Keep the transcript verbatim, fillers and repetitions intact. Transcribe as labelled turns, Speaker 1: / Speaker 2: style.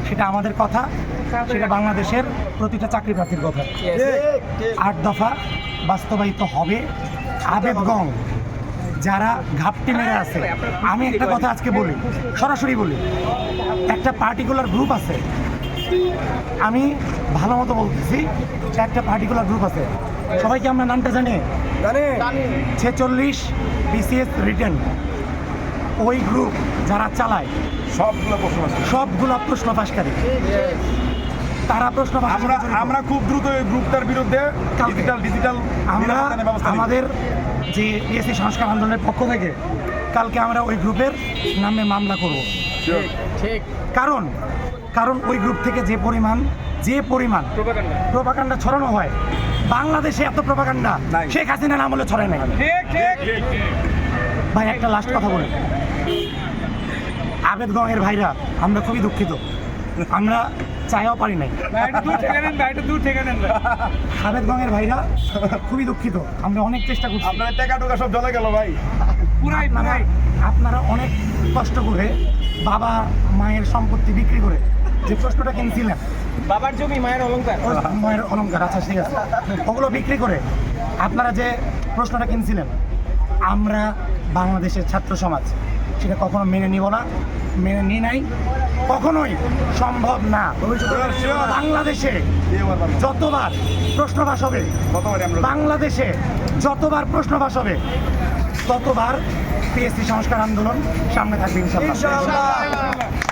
Speaker 1: সেটা আমাদের কথা, সেটা বাংলাদেশের প্রতিটা চাকরি প্রার্থীর কথা। আট দফা বাস্তবায়িত হবে। আবেদগং যারা ঘাপটি মেরে আছে, আমি একটা কথা আজকে বলি, সরাসরি বলি, একটা পার্টিকুলার গ্রুপ আছে, আমি ভালো মতো বলতেছি, একটা পার্টিকুলার গ্রুপ আছে, সবাইকে আমরা নামটা জানি, ছেচল্লিশ বিসিএস রিটার্ন, ওই গ্রুপ যারা চালায়
Speaker 2: সবগুলো প্রশ্ন
Speaker 1: সবগুলো প্রশ্ন ফাঁসকারী, তারা প্রশ্ন ফাঁস।
Speaker 2: আমরা আমরা খুব দ্রুত এই গ্রুপটার বিরুদ্ধে ডিজিটাল ডিজিটাল
Speaker 1: আমরা আমাদের যে পিএসসি সংস্কার আন্দোলনের পক্ষ থেকে কালকে আমরা ওই গ্রুপের নামে মামলা করব।
Speaker 3: ঠিক।
Speaker 1: কারণ কারণ ওই গ্রুপ থেকে যে পরিমাণ যে পরিমাণ প্রোপাগান্ডা ছড়ানো হয়, বাংলাদেশে এত প্রোপাগান্ডা শেখ হাসিনার আমলে ছড়ায় নাই। ভাই একটা লাস্ট কথা বলি, আবেদগংয়ের ভাইরা আমরা খুবই দুঃখিত, আমরা চাইও পারি নাই। আবেদগংয়ের ভাইরা খুবই দুঃখিত, আমরা অনেক চেষ্টা করছি।
Speaker 2: আপনার টাকা টুকা সব জলে গেল ভাই।
Speaker 1: পুরাই পুরাই আপনারা অনেক কষ্ট করে বাবা মায়ের সম্পত্তি বিক্রি করে যে প্রশ্নটা কিনছিলেন,
Speaker 3: বাবার জমি মায়ের অলংকার,
Speaker 1: মায়ের অলংকার, আচ্ছা ঠিক আছে, ওগুলো বিক্রি করে আপনারা যে প্রশ্নটা কিনছিলেন, আমরা বাংলাদেশের ছাত্র সমাজ সেটা কখনো মেনে নিব না, মেনে নিই নাই, কখনোই সম্ভব না। বাংলাদেশে যতবার প্রশ্ন ফাঁস হবে, বাংলাদেশে যতবার প্রশ্ন ফাঁস হবে, ততবার পিএসসি সংস্কার আন্দোলন সামনে থাকবে ইনশাআল্লাহ।